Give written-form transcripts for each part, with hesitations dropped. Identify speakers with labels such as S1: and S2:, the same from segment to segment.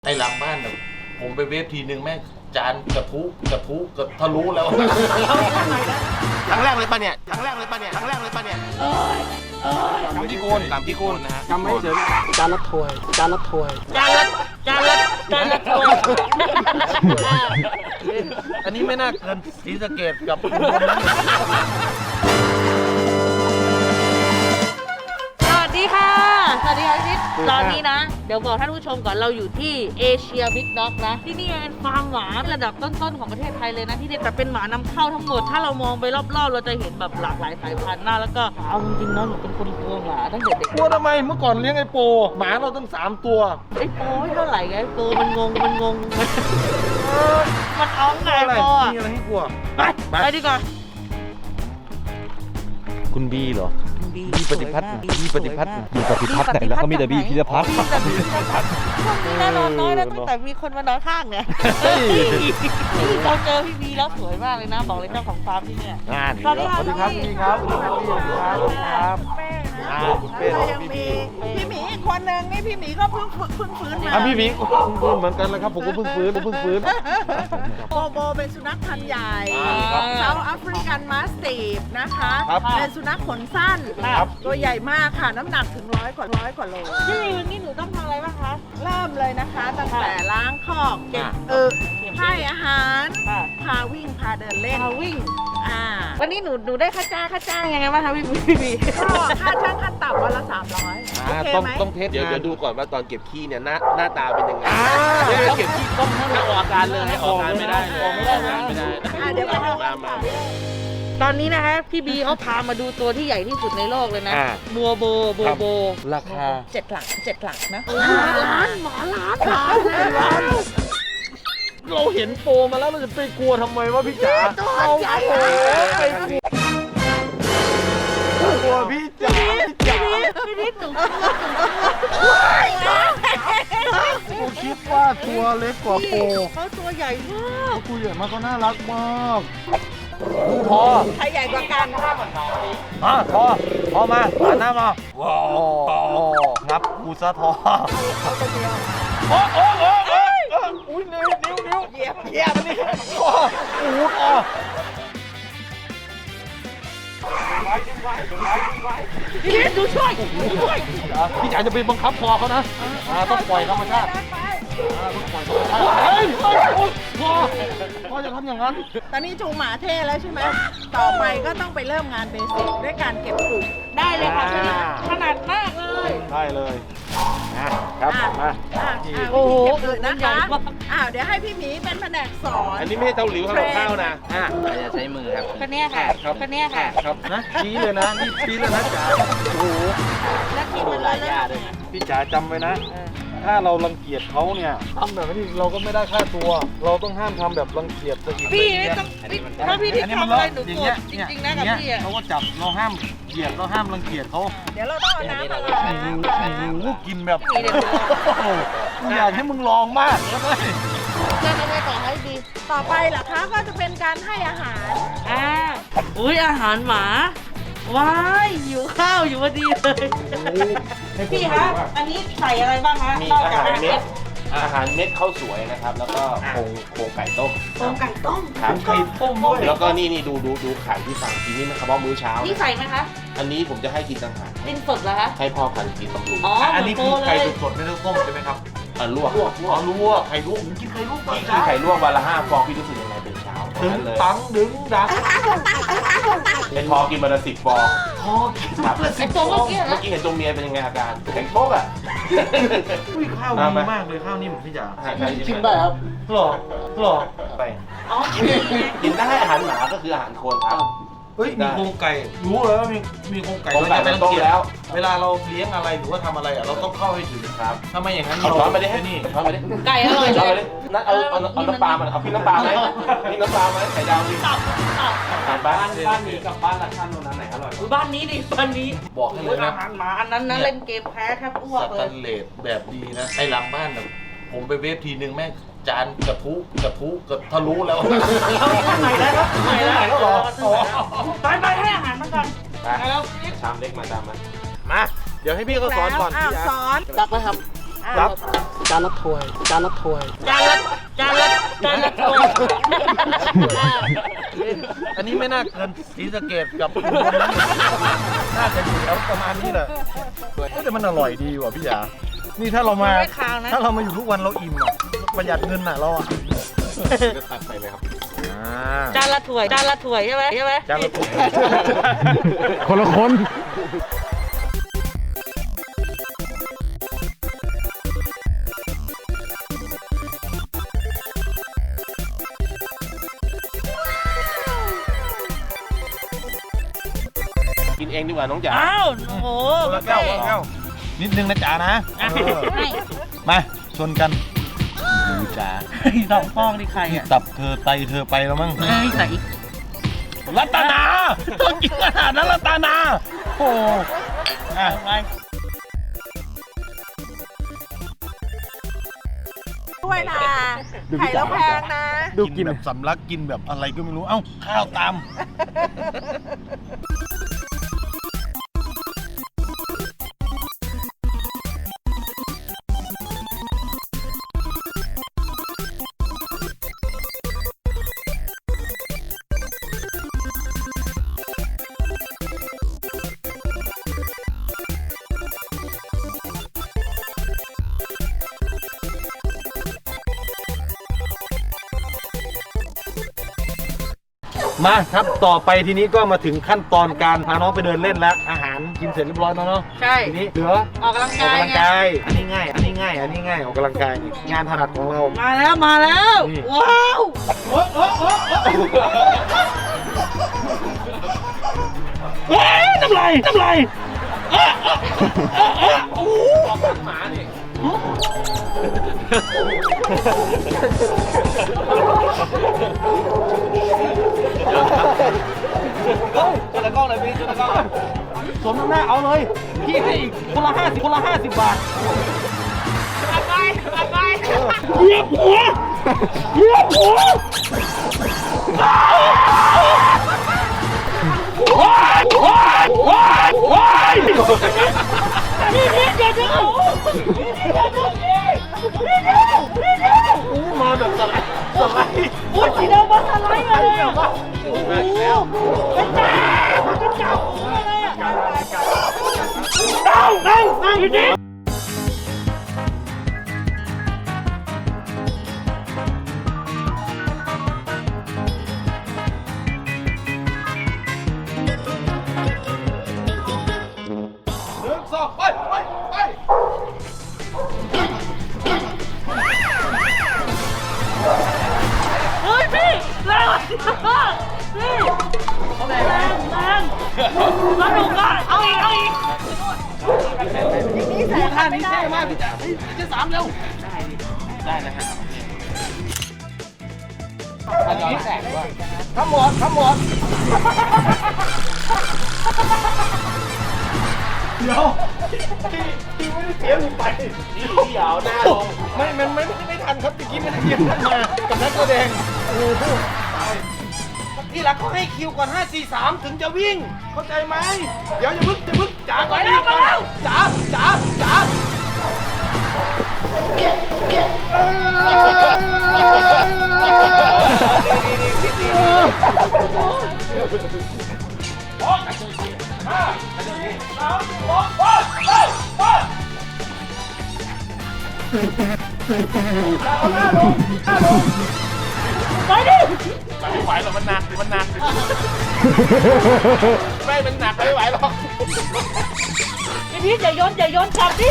S1: ไอ้หลังบ้านเนี่ยผมไปเวฟทีนึงแม่งจานกระทุก็ทะลุแล้ว
S2: ครั้งแรกเลยป่ะเนี่ยครั้งแรกเลยป่ะเนี่ยกำที่โคนนะฮะ
S3: กำไม่เฉยจานละถ้วย
S4: จานละถ้วย
S1: อันนี้ไม่น่าเกินศรีสะเกษกับ
S4: สวัสดีค่ะพี่ตอนนี้นะเดี๋ยวบอกท่านผู้ชมก่อนเราอยู่ที่เอเชียบิ๊กด็อกนะที่นี่เป็นฟาร์มหมาระดับต้นๆของประเทศไทยเลยนะที่นี่แต่เป็นหมานำเข้าทั้งหมดถ้าเรามองไปรอบๆเราจะเห็นแบบหลากหลายสายพันธุ์นะแล้วก็เอาจริงๆนะหนูเป็นคนกลัวหมาตั้งแต่เด็ก
S1: กลัวทำไมเมื่อก่อนเลี้ยงไอ้โปหมาเราตั้ง3 ตัว
S4: ไอ้โปไม่เท่าไหร่ไงไอ้โปมันงงมันอ้องไงไอ้โปอ่ะ
S1: มีอะไรให้กลัว
S4: ไปดีกว่า
S3: คุณบีเหรอ
S4: บี
S3: ปฏิพัฒน์บีปฏิพัฒน์อยู่ปฏิพัฒน์ไหนแล้วก็มีแต่บีพิรพัฒน์
S4: ช่วงนี้แน่นอนน้อยนะตั้งแต่มีคนมานอนข้างเนี่ยเราเจอพี่บีแล้วสวยมากเลยนะบอกเลยเจ้าของฟาร์มที่เนี่ยสวัสดีครับ
S1: พี่ครับคุณเป้
S5: ยังมีพี่หมีอีกคนนึงนี่พี่หมีก็เพิ่งฟื้นมา
S1: พี่หมีเหมือนกันเลยครับผมก็เพิ่งฟื้น
S5: โบเป็นสุนัขพันธุ์ใหญ่เซาท์แอฟริกันมาสติฟนะคะเป็นสุนัขขนสั้นตัวใหญ่มากค่ะน้ำหนักถึง100 กว่าโล
S4: พี่นี่หนูต้องทำอะไรบ้างคะ
S5: เริ่มเลยนะคะตั้งแต่ล้างคอกเก็บให้อาหารพาวิ่งพาเดินเล่น
S4: วันนี้หนูได้ค่าจ้างยังไงบ้างคะพี่บี
S5: ก็ค่าช่างขั้นต่ำวันละ300โอเคไหม
S2: ต้องเทสเดี๋ยวดูก่อนว่าตอนเก็บขี้เนี่ยหน้าตาเป็นยังไงเก็บขี้ต้องให้ออกอาการเลยออกอาการไม่ได้
S5: เดี๋ยวมา
S4: ตอนนี้นะคะพี่บีเขาพามาดูตัวที่ใหญ่ที่สุดในโลกเลยนะบัวโบ
S3: ราคา
S5: 7 หลักนะ
S4: หมาล้าน
S1: เราเห็นโปมาแล้วเราจะไปกลัวทำไมวะพี่จ๋า
S4: ตัวใหญ่
S1: ไปกลัวพี่จ๋า
S4: พี่นิดหนู
S1: กูคิดว่าตัวเล็กกว่าโป
S4: เขาตัวใหญ่มาก
S1: กูใหญ่มากก็น่ารักมาก
S3: พอ
S5: ใครใหญ่กว่ากัน
S3: พอมาหันหน้ามาว้าวงับกูซะทอ
S1: อุ้ยนิ้ว
S5: เหยียบ
S1: นี่
S4: พี่นิดดูช่วย
S1: พี่จ๋าจะไปบังคับคอเขานะต้องปล่อยธรรมชาติพ่อจะทำอย่างนั้น
S5: ตอนนี้จูงหมาเท่แล้วใช่ไหมต่อไปก็ต้องไปเริ่มงานเบสิกด้วยการเก็บปุ๋ย
S4: ได้เลยค่ะพี่นิดถนัดมากเลย
S1: ได้เลย
S5: ครับมาโอ้โหนะคะเดี๋ยวให้พี่หมีเป็นแผนกสอน
S2: อันนี้ไม่ใช่เตาหลิวทำข้าวนะ
S3: จะใช้มือครับ
S4: คนนี้ค่ะ
S1: ครับนะชี้เลยนะนี่ชี้เลยนะจ๋าโอ้โห
S4: แล้วทีมันละยาเลย
S1: พี่จ๋าจำไว้นะถ้าเรารังเกียจเขาเนี่ยทำแบบนี้เราก็ไม่ได้ค่าตัวเราต้องห้ามทำแบบรังเกียจสกิด
S4: พี่ไม่ต้องถ้าพี่ที่ทำอะไรหนูโกรธจริงๆนะกับพี่
S1: เขาก็จับเราห้ามเกลียดเราห้ามรังเกียจเขา
S5: เดี๋ยวเราต้องเอาน้ำมา
S1: ลูกกินแบบอยากให้มึงลองมากแล้วก็
S4: จะทำไงต่อให้ดี
S5: ต่อไปเหรอคะก็จะเป็นการให้อาหาร
S4: อุ้ยอาหารหมาว้ายหิวข้าวอยู่พอดีเลยพี่คะอันนี้ใส่อะไรบ้างคะ
S2: มีอาหารเม็ดข้าวสวยนะครับแล้วก็โครงไก่ต้มครับ
S1: ไก่ต้มด้วย
S2: แล้วก็นี่ดูไข่ที่สั่งกินนี่มันเฉพาะมื้อเช้า
S4: นี่ใส่ไหมคะ
S2: อันนี้ผมจะให้กินต่างหาก
S4: เป็นสดเหรอคะ
S2: ให้พ่อพันธุ์กินบำรุง
S1: อันนี้คือไก่สดไม่ต้องต้มใช่ไหมครับ
S2: ลวก
S1: ไข่ลวกผมกินไข่ลวก
S2: กินไข่ลวกวันละ5 ฟองพี่รู้สึกยังไงเป็นเช้า
S1: ดึงดัง
S2: เป็นพอกินวันละ10 ฟอง
S1: พอกินวันละ10 ฟอง
S2: เมื่อกี้เห็นตัวเมียเป็นยังไงอาการแข็งโป๊กอ่ะ
S1: ข้าวดีมากเลยข้าวนิ่มพี่จ๋า
S3: กินได้ครับ
S1: หรอ
S2: ไปกินได้อาหารหมาก็คืออาหารโคนครับ
S1: เฮ้ยมีโครงไก่รู้เลยว่ามีโครงไก่เราจะไม่ต้องเกี่ยวเวลาเราเลี้ยงอะไรหรือว่าทำอะไรเราต้องเข้าให้ถึงครับถ้าไม่อย่างนั้น
S2: เราช้อนไปดินี่ช้อนไปดิ
S4: ไก่อร่อยเลย
S2: นั่นเอาน้ำปลามาเอาพี่น้ำปลาไหมพี่น้ำปลาไหมไข่ดาวนี่บ้านนี้กับบ้านละชั้นตรงนั้นไหนอร่อย
S4: บ้านนี้ดิบ้านนี้
S1: บอกให้เลยนะ
S4: อาหารหมาอันนั้นนะเล่นเกมแพ้แทบอ้วกเลย
S1: สแตนเลสแบบดีนะไอ้หลังบ้านผมไปเวฟทีนึงแม่งจานกระทุก็ทะลุแล้ว
S4: ใหม่แล้วไปให้อาหารมันก่อน
S2: ไปแล้วชามเล็กมาตามมาเดี๋ยวให้พี่เขาสอนก่อน
S5: สอน
S3: ตักไหมครับรับ
S4: จานละถ้วย
S1: อันนี้ไม่น่าเกินศรีสะเกษกับน่าจะอยู่แถวประมาณนี้แหละแต่มันอร่อยดีว่ะพี่ยานี่ถ้าเรามา
S4: ไม่คาวนะ
S1: ถ้าเรามาอยู่ทุกวันเราอิ่มอ่ะประหยัดเงินอ่ะเราอ่ะ
S2: จะตักไปเลยครับ
S4: จานละถ้วยใช่ไหม
S1: จานละปุ๊บ
S3: คนละคน
S2: กินเองดีกว่าน้องจ๋า
S4: อ้าวโอ้โห
S1: คนละแก้วคนละแก้วนิดนึงนะจ๋านะ
S4: ให้
S1: มาชนกันดูจ๋า
S4: สองฟองนี่ใครอ่ะ
S1: ตับเธอไตเธอไปแล้วมั้ง
S4: เฮ้ยใส่อีก
S1: รัตนาต้องกินขนาดนั้นรัตนาโอ้อ่ะ
S4: ไป
S5: ด้วยนะไข่แล้วแพงนะ
S1: ดูกินแบบสำลักกินแบบอะไรก็ไม่รู้เอ้าข้าวตาม มาครับต่อไปทีนี้ก็มาถึงขั้นตอนการพาน้องไปเดินเล่นแล้วอาหารกินเสร็จเรียบร้อยแล้วเนาะ
S4: ใช่
S1: ทีนี้เหลือ
S4: ออกกำลัง
S1: ออก
S4: กาย
S1: กำลัง
S4: ไง
S1: กายอันนี้ง่ายออกกำลังกายนี่งานถนัดของเรา
S4: มาแล้ว
S1: นี่
S4: ว้าว
S1: น้ำลาย
S2: หมานี่
S1: จะตะก้องเลยพี่จะตะก้องสมน้ำหน้าเอาเลยพี่ให้อีกคนละ50บาทเหยียบหัวมาแบบสไลด์โอ้ยสีดำมาสไลด์เลยอ่ะโอ้โหเป็นจ้าอะไรอ่ะนั่งอยู่ดิ
S4: เฮ้ยพี่แรงอ่ะพี่แรงสนุกอ่ะเอาอีก
S1: ท่านี้เท่มากพี่จ๋าจะ3เร็ว
S2: ได้นะฮะ
S1: อันนี้แสงด้วยทำหมดเดี๋ยวพี่ไม่ได้เสียหนูไป
S2: พี่เอาหน้าลง
S1: ไม่ทันครับตะกี้ไม่ได้เตรียมท่านมากับนักแสดงโอ้โหที่หลักเขาให้คิวก่อน5 4 3ถึงจะวิ่งเข้าใจไหมเดี๋ยวอย่าพึ่งจ๋าก่อนจ๋า
S4: ไปดิ
S2: ไม่ไหวหรอกมันหนักไม่มันหนักไม่ไหวหรอก
S4: พี่อย่าโยนจับดิ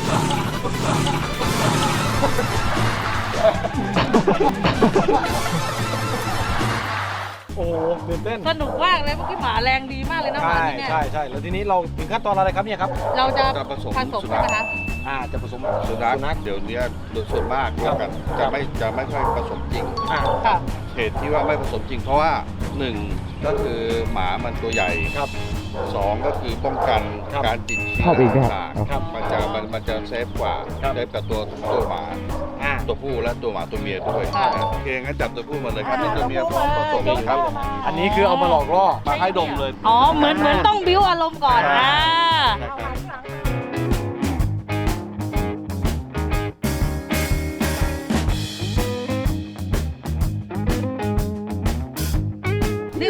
S1: โอ้โหตื่นเต้น
S4: สนุกมากเลยเมื่อกี้หมาแรงดีมากเลยนะหมาที่เนี่ย
S1: ใช่แล้วทีนี้เราถึงขั้นตอนอะไรครับเนี่ยครับ
S4: เราจะ
S6: จะผสม
S4: ผสมกันนะคะ
S1: จะผสม
S6: สุนัขเดี๋ยวนี้โดยส่วนมากเรียกกันจะไม่ค่อยผสมจริง
S4: ค่ะ
S6: เหตุที่ว่าไม่ผสมจริงเพราะว่า1ก็คือหมามันตัวใหญ่
S1: ครับ
S6: 2ก็คือป้องกัน
S1: ครับ
S6: การติดเชื้
S3: เข้าไปอีกแล้ว
S6: ต่าง
S1: ครับ
S6: มันจะเซฟกว่า
S1: ครับ
S6: เซฟกับตัวหมาตัวผู้และตัวหมาตัวเมียด้วย
S4: ค่ะ
S6: โอเคงั้นจับตัวผู้มาเลยครับนี่ตัวเมียพร้อมผสมครับ
S1: อันนี้คือเอามาหลอกล่อ
S2: มาให้ดมเลย
S4: อ๋อเหมือนต้องบิ้วอารมณ์ก่อนนะ
S6: นะครับ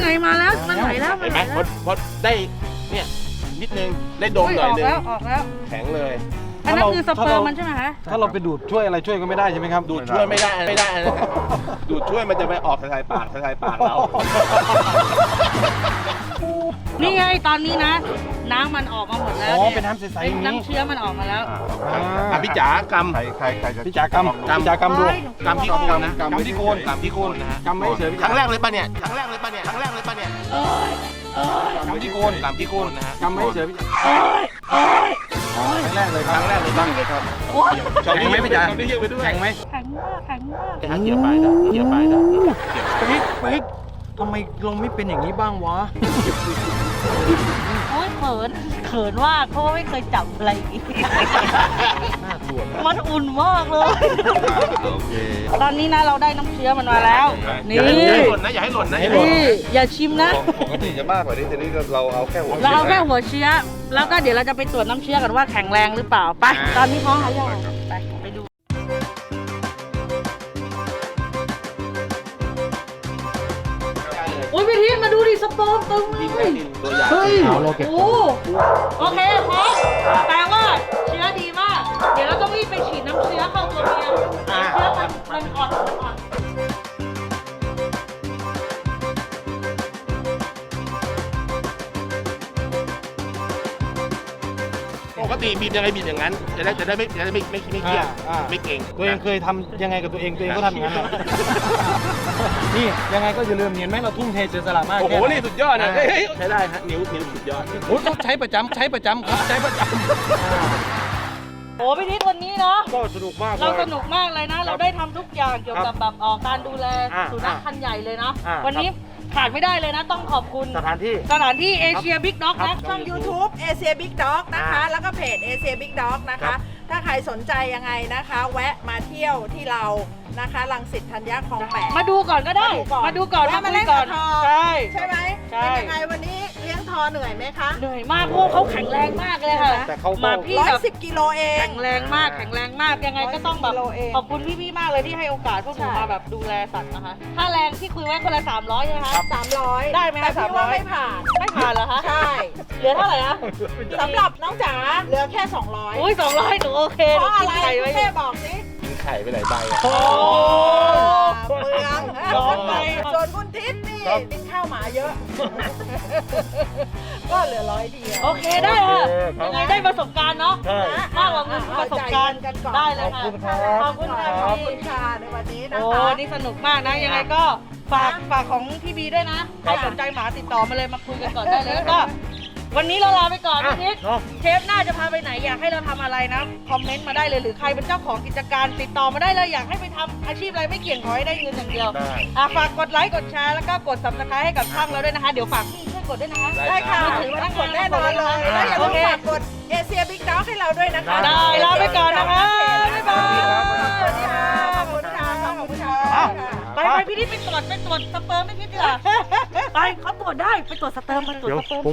S4: ไงมาแล้วมันไหลแล้ว
S2: เห็นไหมพอได้เนี่ยนิดนึงได้ดมหน่อยนึง
S4: ออกแล้ว
S2: แข็งเลย
S4: อันนั้นคือสเปิร์มมันใช่ไหมคะ
S3: ถ้าเราไปดูดช่วยอะไรช่วยก็ไม่ได้ใช่ไหมครับ
S2: ดูดช่วยไม่ได้ดูดช่วยมันจะไปออกทางปากเรา
S4: นี่ไงตอนนี้นะ น้ำมันออกมาหมดแล้ว
S3: อ๋อ
S4: ย
S3: เป็นน้ำใสๆอย่างนี้
S4: น้ำเชื้อมันออกมาแล้ว
S2: พี่จ๋ากำ
S6: ใครจะ
S3: พี่จ๋ากรรมพี่จ๋ากรรมดู
S2: กำที่โคนนะ
S3: กรรมที่โคน
S2: กำที่โคนนะฮะ
S3: กรรมไม่เฉยพี่
S2: ค
S3: จ๋า
S2: รั้งแรกเลยป่ะเนี่ยครั้งแรกเลยป่ะเนี่ยครั้งแรกเลยป่ะเนี่ย
S3: กรรมที่โคน
S2: กำที่โคนนะฮะ
S3: กรรมไม่เฉยพี่จ๋าครั้งแรกเลยค
S2: ค
S3: รั
S2: รั้
S3: บ
S2: งแรกเลยบ้างเลยครับ
S3: แข็งไหมพี่จ๋า
S2: เยอะไปด้วย
S3: แข็งไหม
S4: แข็งมากแข็งมาก
S2: เกี่ยวไปนะเกี่ยวไปนะ
S3: ปิ๊กทำไมเราไม่เป็นอย่างนี้บ้างวะ
S4: โอ้ยเขินมากเพราะว่าไม่เคยจับอะไรอย่างงี้
S3: น่ากลัว
S4: มันอุ่นมากเลย
S6: โอเค
S4: ตอนนี้นะเราได้น้ำเชื้อมันมาแล้ว นี่
S2: อย่าให้หล่นนะอย่าให้หล่นนะ
S4: นี่อย่าชิมนะ
S6: ปกติจะมากกว่านี้ทีนี้เราเอาแค่หัว
S4: เราเอาแค่หัวเชื้อ แล้วก็เดี๋ยวเราจะไปตรวจน้ำเชื้อกันว่าแข็งแรงหรือเปล่า ไป ตอนนี้พร้อมหรือยังไปดู โอ้ยพี่ทิศมาดูดิสเปิร์มตึงเลย
S2: ตัวใหญ่
S3: เฮ้ยเราเก็บ
S4: โอ้โอเคพร้อมแปลว่าเชื้อดีมาก เดี๋ยวเราต้องรีบไปฉีดน้ำเชื้อเข้าตัวเมียเชื้อมันอ่อน
S2: ปกติบีบยังไงบีบอย่างนั้นจะได้ไม่เครียดไม่เก่ง
S3: ตัวเองเคยทำยังไงกับตัวเองก็ทำอย่างนั้นแหละนี่ยังไงก็อย่าลืมเห็นไหมเราทุ่มเทเสียสละมาก
S2: โอ้โห
S3: แค่ไห
S2: นี่สุดยอดนะใช้ได้ฮะนิ้วสุดยอด
S3: โอ้ยต้องใช้ประจำครับใช้ประจำ
S4: โอ้พี่ทิศวันนี้เนาะ
S3: ก็สนุกมาก
S4: เราสนุกมากเลยนะ เราได้ทำทุกอย่างเกี่ยวกับแบบการดูแล
S3: อ่า
S4: สุนัขพันธุ์ใหญ่เลยนะ
S3: อ่า
S4: วันนี้ขาดไม่ได้เลยนะ ต้องขอบคุณ
S3: สถานที่
S4: สถานที่เอเชียบิ๊กด็อกนะ
S5: ช่อง YouTube Asia Big Dog นะคะ แล้วก็เพจ Asia Big Dog นะ
S3: ครั
S5: คะ
S3: บ
S5: ถ้าใครสนใจยังไงนะคะ แวะมาเที่ยวที่เรานะคะรังสิตธัญญาคลองแปด
S4: มาดูก่อนก็ได้ มาดูก่อน
S5: แวะ
S4: มา
S5: มา
S4: คุ
S5: เล่
S4: ย
S5: น
S4: ก่
S5: กั
S4: อบ น
S5: ทอ
S4: ใช่
S5: ใช่ไหม
S4: ใช่
S5: เป็นยังไงวันนี้เลี้ยงทอเหนื่อยไหมคะ
S4: เหนื่อยมากเพราะว่าเขาแข็งแรงมากเลยค่ะ
S3: แต่เขาก็
S4: มาพี่แบบ
S5: 110 กิโลเอง
S4: แข็งแรงมากยังไงก็ต้องแบบ
S5: 110กิโลเอง
S4: ขอบคุณพี่ๆมากเลยที่ให้โอกาสพวกหนู
S5: ใช่
S4: มาแบบดูแลสัตว์นะคะค่าแรงที่คุยไว้คนละ300ใช่ไหมคะ
S5: 300
S4: ได้ไหมคะ
S5: แต่พี่ว่า
S4: 300
S5: ไม่ผ่าน
S4: ไม่ผ่านเหรอคะ
S5: ใช่
S4: เหลือเท่าไหร่นะ
S5: สำหรับน้องจ๋าเหลือแค่ 200
S4: อุ้ย200หนูโอเค
S5: เพ
S4: หนู
S5: ราะอะ
S4: กิน
S5: ไร
S4: ไข่
S5: คุ
S4: ไว้
S5: ณ
S4: อ
S5: แม่
S4: ยู่
S5: บอกสิ
S2: กินไข่ไปหลายใบอะ
S4: โอ้
S5: เมือง
S4: ย้อนไป
S5: ส่วนคุณทิศนี่กินข้าวหมาเยอะ ก็เหลือ100เดียว
S4: โอเคได้ค่ะ
S3: โอเคครับ
S4: ยังไงได้ประสบการณ์เนาะ
S3: ใช่
S4: มากกว่าเงินคือประสบการณ์
S5: กันก่อน
S4: ได้เลยค่ะ
S3: ขอบคุณครับ
S4: ขอบคุณค่ะ
S5: ขอบ
S4: พี่
S5: คุณค่ะในวันนี้นะ
S4: โอ้
S5: คะ
S4: นี่สนุกมากนะ ยังไงก็ฝากของพี่บีด้วยนะใครสนใจหมาติดต่อมาเลยมาคุยกันก่อนได้เลยแล้วก็วันนี้เราลาไปก่อนพี่ทิศ
S3: เนาะ
S4: เชฟหน้าจะพาไปไหนอยากให้เราทำอะไรนะคอมเมนต์มาได้เลยหรือใครเป็นเจ้าของกิจการติดต่อมาได้เลยอยากให้ไปทำอาชีพอะไรไม่เกี่ยงขอให้ได้เงินอย่างเดียว
S3: ได้
S4: ฝากกดไลค์กดแชร์แล้วก็กด subscribe ให้กับช่องเราด้วยนะคะ เดี๋ยวฝากพี่ช่วยกดด้วยนะคะ
S5: ได้ค่ะ
S4: มือถือ
S5: ต้องกดแน่นอนเลยแล้วอย่าลืมฝากกดเอเชียบิ๊กด็อกให้เราด้วยนะคะ
S4: ได้ลาไปก่อนนะคะบ๊ายบาย
S5: สวัสดีค่ะ ขอบคุณค่ะ ขอบคุณค่ะ
S4: ไปพี่นี่ไปตรวจสเปิร์มไม่คิดดีกว่าไปเขาตรวจได้ไปตรวจสเติร์มไปตรวจสเปิร์ม